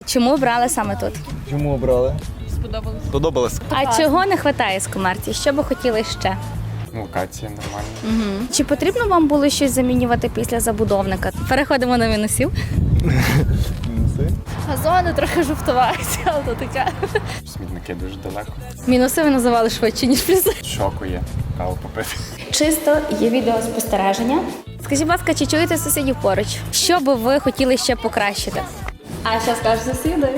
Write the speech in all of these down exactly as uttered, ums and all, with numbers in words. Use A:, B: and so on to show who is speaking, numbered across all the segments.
A: Чому обрали саме тут?
B: Чому обрали?
C: Сподобалось.
B: Сподобалось.
A: А чого не вистачає з Комерції? Що би хотіли ще?
D: Локація нормальна.
A: Угу. Чи потрібно вам було щось замінювати після забудовника? Переходимо до мінусів.
B: Мінуси.
C: Газони трохи жовтувають, але то таке.
D: Смітники дуже далеко.
A: Мінуси ви називали швидше, ніж плюси.
D: Шоку є. Каву попити.
A: Чисто є відеоспостереження. Скажіть, будь ласка, чи чуєте сусідів поруч? Що би ви хотіли ще покращити? А що скажуть сусіди?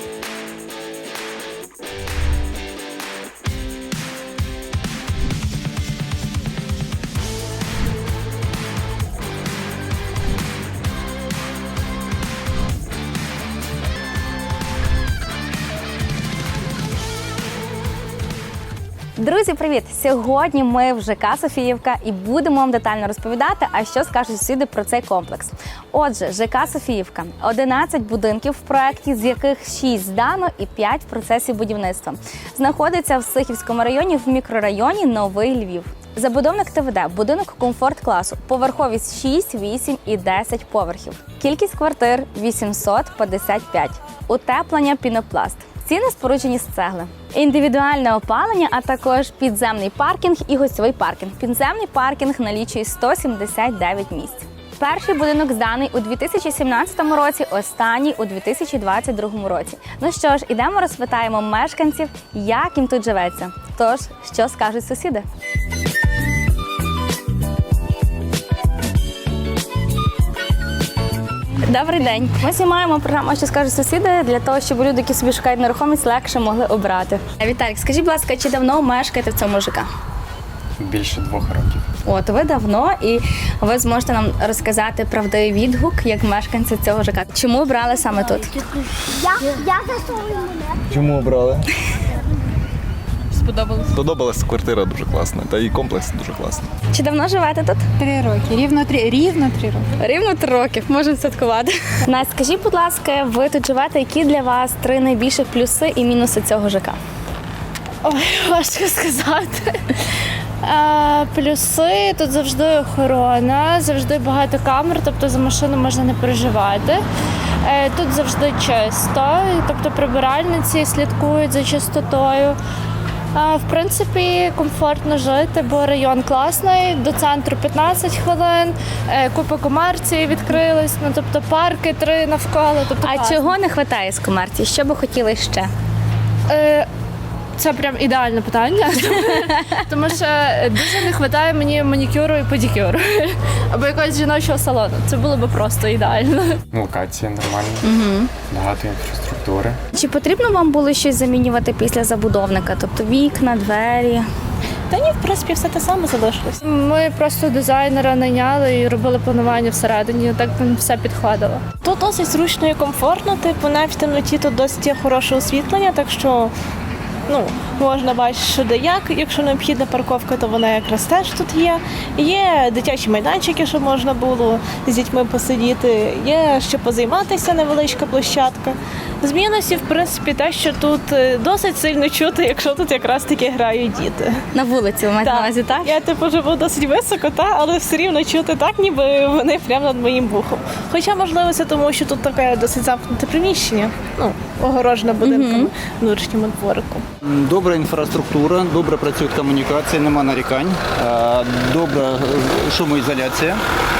A: Друзі, привіт! Сьогодні ми в ЖК Софіївка і будемо вам детально розповідати, а що скажуть сусіди про цей комплекс. Отже, ЖК Софіївка – одинадцять будинків в проєкті, з яких шість здано і п'ять в процесі будівництва. Знаходиться в Сихівському районі в мікрорайоні Новий Львів. Забудовник ТВД – будинок комфорт-класу, поверховість шість, вісім і десять поверхів. Кількість квартир – вісімсот п'ятдесят п'ять. Утеплення пінопласт. Ціни споруджені з цегли. Індивідуальне опалення, а також підземний паркінг і гостьовий паркінг. Підземний паркінг налічує сто сімдесят дев'ять місць. Перший будинок зданий у дві тисячі сімнадцятому році, останній у дві тисячі двадцять другому році. Ну що ж, ідемо розпитаємо мешканців, як їм тут живеться. Тож, що скажуть сусіди? Добрий день. Ми знімаємо програму «Що скажуть сусіди» для того, щоб люди, які собі шукають нерухомість, легше могли обрати. Віталік, скажіть, будь ласка, чи давно мешкаєте в цьому ЖК?
D: Більше двох років.
A: От, ви давно, і ви зможете нам розказати правдивий відгук, як мешканці цього ЖК. Чому обрали саме тут?
E: Я, я засовую мене.
B: Чому обрали?
C: Сподобалось.
B: Сподобалась квартира дуже класна, та і комплекс дуже класний.
A: Чи давно живете тут?
F: Три роки, рівно три, рівно три роки.
A: Рівно три роки, можемо святкувати. Настя, скажіть, будь ласка, ви тут живете, які для вас три найбільших плюси і мінуси цього ЖК?
C: Ой, важко сказати. А, плюси тут завжди охорона, завжди багато камер, тобто за машину можна не переживати. Е, Тут завжди чисто, тобто прибиральниці слідкують за чистотою. А, В принципі, комфортно жити, бо район класний, до центру п'ятнадцять хвилин, е, купа комерції відкрились, ну тобто парки три навколо. Тобто
A: А
C: класно.
A: чого не вистачає з комерції? Що би хотіли ще?
C: Е, Це прям ідеальне питання, тому що дуже не вистачає мені манікюру і педикюру або якогось жіночого салону. Це було б просто ідеально.
D: Локація нормальна. Багато інфраструктури.
A: Чи потрібно вам було щось замінювати після забудовника? Тобто вікна, двері?
G: Та ні, в принципі, все те саме залишилось.
C: Ми просто дизайнера найняли і робили планування всередині, так нам все підходило.
G: Тут досить зручно і комфортно, типу навіть в темноті тут досить є хороше освітлення, так що ну, можна бачити, що де як. Якщо необхідна парковка, то вона якраз теж тут є. Є дитячі майданчики, щоб можна було з дітьми посидіти, є що позайматися, невеличка площадка. З мінусів, в принципі, те, що тут досить сильно чути, якщо тут якраз таки грають діти.
A: На вулиці ви маєте на увазі, так?
G: Я типу живу досить високо, та, але все рівно чути так, ніби вони прямо над моїм вухом. Хоча, можливо, це тому, що тут таке досить замкнуте приміщення, ну, огорожене будинками, внутрішньому дворику.
H: Добра інфраструктура, добре працюють комунікації, нема нарікань, е, добра шумоізоляція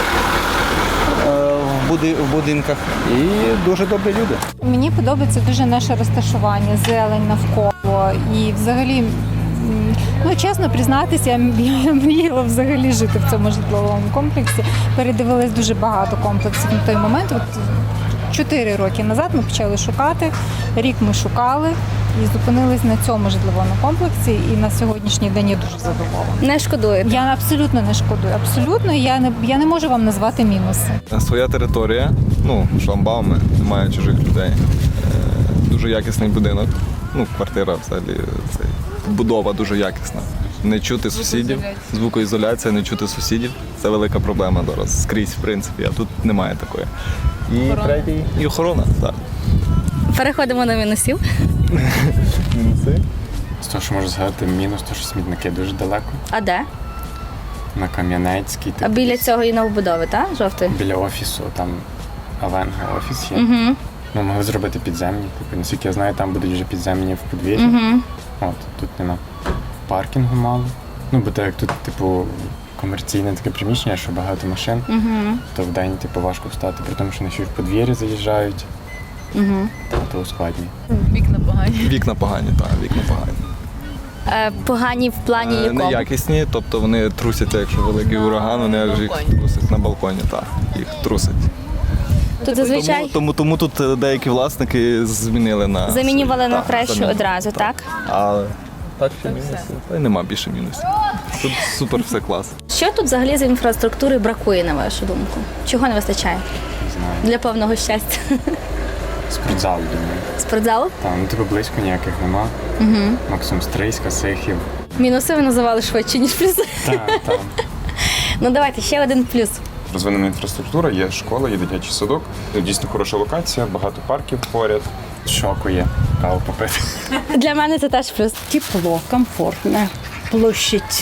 H: е, в буди- в будинках і дуже добрі люди.
F: Мені подобається дуже наше розташування, зелень навколо і взагалі, м, ну чесно признатися, я я мріяла взагалі жити в цьому житловому комплексі. Передивилась дуже багато комплексів на той момент. От чотири роки назад ми почали шукати, рік ми шукали і зупинились на цьому житловому комплексі, і на сьогоднішній день я дуже задоволена.
A: Не шкодуєте?
F: Я абсолютно не шкодую, абсолютно, я не, я не можу вам назвати мінуси.
B: Своя територія, ну, шламбауми, немає чужих людей. Е, Дуже якісний будинок. Ну, квартира взагалі, це будова дуже якісна. Не чути сусідів, звукоізоляція, не чути сусідів. Це велика проблема зараз скрізь, в принципі, а тут немає такої. І третій, і охорона, так.
A: Переходимо до мінусів.
B: Мінуси.
D: З того, що можу згадати, мінус, то що смітники дуже далеко.
A: А де?
D: На Кам'янецькій.
A: А
D: типу,
A: біля
D: десь
A: цього і новобудови, так? Жовтий?
D: Біля офісу, там Авенга офіс є.
A: Угу.
D: Ну, могли зробити підземні. Типу, наскільки я знаю, там будуть вже підземні в подвір'ї.
A: Угу.
D: От, тут нема. Паркінгу мало. Ну, бо так як тут, типу, комерційне таке приміщення, що багато машин,
A: Угу.
D: то вдень, типу, важко встати, при тому, що вони ще й в подвір'ї заїжджають,
A: Угу.
D: то ускладнює.
I: Вікна погані.
B: Вікна погані, так, вікна погані.
A: Е, погані в плані
B: Е,
A: якому?
B: Неякісні, тобто вони трусяться, якщо великий ураган, вони аж їх
I: балконі.
B: трусять на балконі, так, їх трусять.
A: Тут зазвичай
B: Тому, тому, тому тут деякі власники змінили на
A: замінювали
B: свої.
A: на
B: Так,
A: кращу
B: замінювали.
A: одразу, так?
B: Але так ще мінусів. Та й нема більше мінусів. Тут супер все клас.
A: Що тут взагалі з інфраструктури бракує, на вашу думку? Чого не вистачає
D: Не знаю.
A: для повного щастя?
D: Спортзал, думаю.
A: Спортзалу?
D: Там, ну, типу, близько ніяких нема. Угу. Максимум Стрийська, Сихів.
A: Мінуси ви називали швидше, ніж плюси.
D: Так, там.
A: Ну давайте ще один плюс.
J: Розвинена інфраструктура, є школа, є дитячий садок. Дійсно хороша локація, багато парків поряд.
D: Шоку є. Каву попити.
A: Для мене це теж плюс.
K: Тепло, комфортно. Площадь,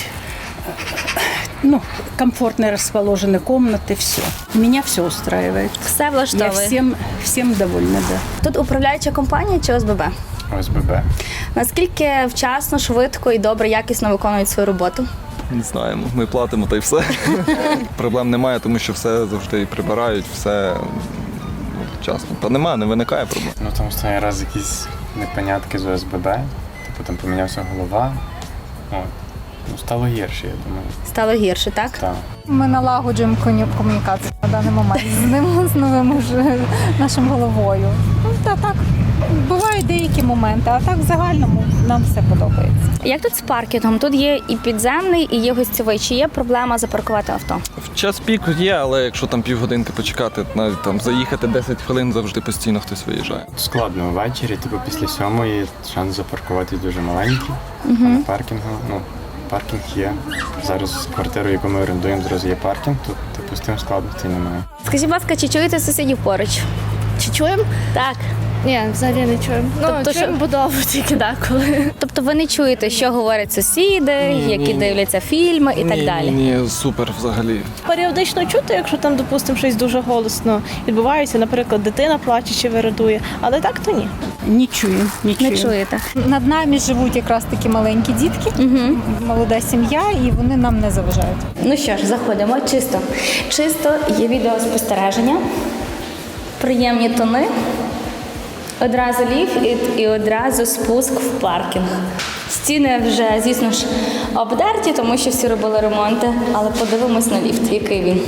K: ну, комфортно расположены комнаты, все. Меня все устраивает.
A: Все
K: Я
A: влаштовує.
K: всем, всем довольна, да.
A: Тут управляюча компанія чи ОСББ?
D: ОСББ.
A: Наскільки вчасно, швидко і добре, якісно виконують свою роботу?
B: Не знаємо, ми платимо та й все. Проблем немає, тому що все завжди і прибирають, все м, вчасно. Та немає, не виникає проблем.
D: Ну там останній раз якісь непонятки з ОСББ. Типу там помінявся голова. От. Ну, стало гірше, я думаю.
A: Стало гірше, так?
D: Так.
F: Ми налагоджуємо коні- комунікацію на даний момент з ним, з новим уже нашим головою. Ну, та так, бувають деякі моменти, а так в загальному нам все подобається.
A: Як тут з паркінгом? Тут є і підземний, і є гостьовий. Чи є проблема запаркувати авто?
B: В час пік є, але якщо там півгодинки почекати, навіть там заїхати десять хвилин, завжди постійно хтось виїжджає.
D: Складно ввечері, типу після сьомої шанс запаркувати дуже маленький. А на паркінгу, ну, паркінг є. Зараз квартиру, яку ми орендуємо, зразу є паркінг, тут типу з тим складностей немає.
A: Скажіть, будь ласка, чи чуєте сусідів поруч?
C: Чи чуємо?
A: Так.
C: Ні, взагалі не чуємо. Ну,
A: Тобто,
C: чуємо
A: що-
C: будову тільки деколи.
A: Тобто ви не чуєте, що говорять сусіди,
B: Ні,
A: які
B: ні.
A: дивляться фільми і так
B: ні,
A: далі?
B: Ні, ні, супер взагалі.
G: Періодично чути, якщо там, допустимо, щось дуже голосно відбувається, наприклад, дитина плаче чи вирадує, але так то ні.
K: Не чую, не чую.
A: Не чуєте.
F: Над нами живуть якраз такі маленькі дітки, молода сім'я, і вони нам не заважають.
A: Ну що ж, заходимо чисто. Чисто є відеоспостереження, приємні тони, одразу ліфт і, і одразу спуск в паркінг. Стіни вже, звісно ж, обдерті, тому що всі робили ремонти, але подивимось на ліфт, який він.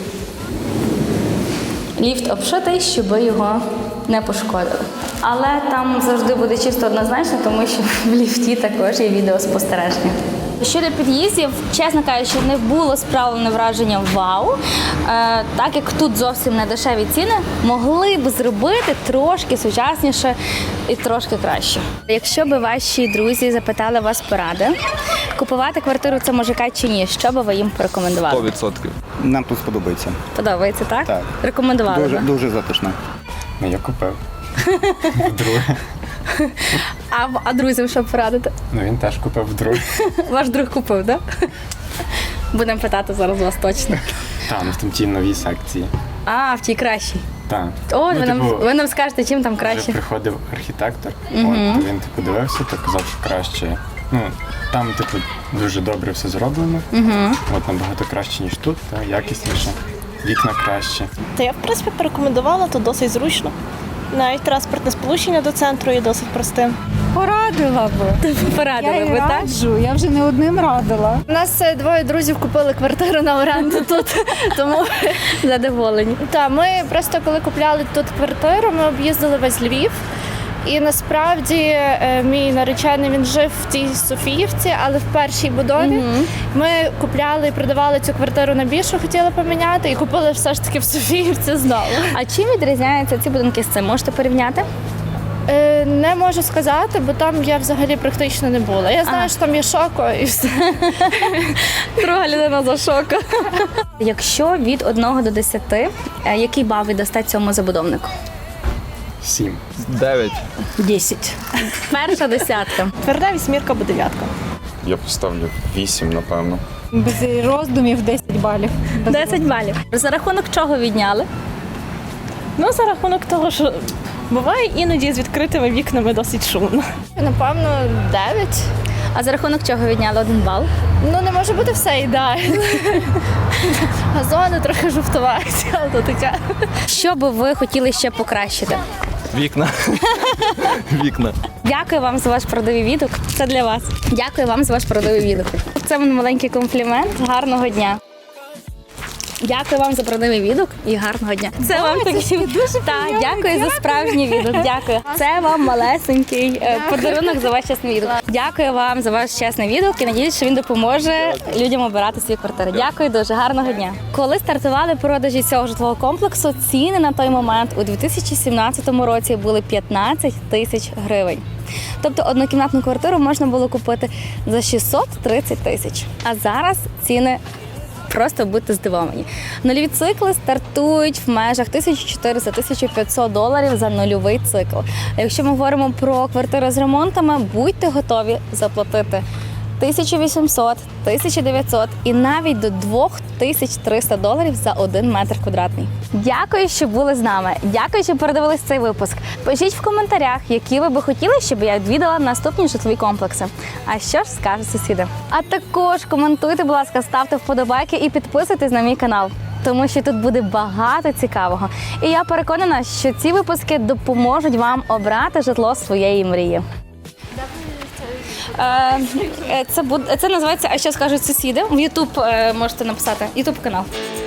A: Ліфт обшитий, щоб його не пошкодили. Але там завжди буде чисто однозначно, тому що в ліфті також є відеоспостереження. Щодо під'їздів, чесно кажучи, не було справлене враження вау. Е, так як тут зовсім не дешеві ціни, могли б зробити трошки сучасніше і трошки краще. Якщо б ваші друзі запитали вас поради, купувати квартиру це мужика чи ні, що би ви їм порекомендували?
B: сто відсотків.
H: Нам тут сподобається.
A: Подобається, так?
H: Так.
A: Рекомендували
H: Дуже,
A: би.
H: дуже затишно.
D: Ну я купив. Вдруге.
A: А, а друзям що порадити?
D: Ну він теж купив вдруге.
A: Ваш друг купив, так? Будемо питати зараз вас точно.
D: Так, ну в там ті нові секції.
A: А, в тій кращій.
D: Так.
A: О,
D: Ну,
A: ви, нам,
D: типу,
A: ви нам скажете, чим там
D: Вже
A: краще.
D: приходив архітектор, от, то він типу дивився, то казав, що краще. Ну, там, типу, дуже добре все зроблено. От набагато краще, ніж тут, та, якісніше, вікна краще.
G: Та я, в принципі, порекомендувала, то досить зручно. Навіть транспортне сполучення до центру є досить простим.
F: Порадила би.
A: Порадили
F: Я
A: ви,
F: і
A: так?
F: раджу, я вже не одним радила.
C: У нас е, двоє друзів купили квартиру на оренду тут, тому
A: Задоволені.
C: та ми просто коли купляли тут квартиру, ми об'їздили весь Львів. І насправді е, мій наречений він жив в тій Софіївці, але в першій будові. Ми купляли і продавали цю квартиру на більшу, хотіли поміняти, і купили все ж таки в Софіївці знову.
A: А чим відрізняються ці будинки з цим? Можете порівняти?
C: Е, не можу сказати, бо там я взагалі практично не була. Я знаю, що там є шоко і все.
A: Друга людина за шоку. Якщо від одного до десяти, е, який бал ви дасте цьому забудовнику?
D: Сім.
B: Дев'ять.
K: Десять.
A: Перша десятка.
G: Тверда вісьмірка або дев'ятка.
J: Я поставлю вісім, напевно.
F: Без роздумів десять балів. Без
A: десять балів. За рахунок чого відняли?
G: Ну, за рахунок того, що Буває іноді з відкритими вікнами досить шумно.
C: Напевно, дев'ять.
A: А за рахунок чого відняли один бал?
C: Ну, не може бути все ідеально. Газони трохи жовтувають, але то таке.
A: Що би ви хотіли ще покращити?
B: Вікна. Вікна.
A: Дякую вам за ваш продовий відгук. Це для вас. Дякую вам за ваш продовий відгук. Це мій маленький комплімент. Гарного дня. Дякую вам за продовий відгук і гарного дня. Це вам такий дуже так, дякую за справжній відгук. Дякую. Це вам малесенький е, подарунок за ваш чесний відгук. Дякую вам за ваш чесний відгук і надіюсь, що він допоможе людям обирати свої квартири. Дякую дуже, гарного дня. Коли стартували продажі цього житлового комплексу, ціни на той момент у дві тисячі сімнадцятому році були п'ятнадцять тисяч гривень. Тобто однокімнатну квартиру можна було купити за шістсот тридцять тисяч. А зараз ціни просто будьте здивовані. Нульові цикли стартують в межах тисяча чотириста - тисяча п'ятсот доларів за нульовий цикл. А якщо ми говоримо про квартири з ремонтами, будьте готові заплатити тисяча вісімсот - тисяча дев'ятсот і навіть до дві тисячі триста доларів за один метр квадратний. Дякую, що були з нами. Дякую, що передивились цей випуск. Пишіть в коментарях, які ви би хотіли, щоб я відвідала наступні житлові комплекси. А що ж скажуть сусіди? А також коментуйте, будь ласка, ставте вподобайки і підписуйтесь на мій канал, тому що тут буде багато цікавого. І я переконана, що ці випуски допоможуть вам обрати житло своєї мрії. Е, Це буде це називається «А що скажуть сусіди». В Ютуб можете написати Ютуб канал.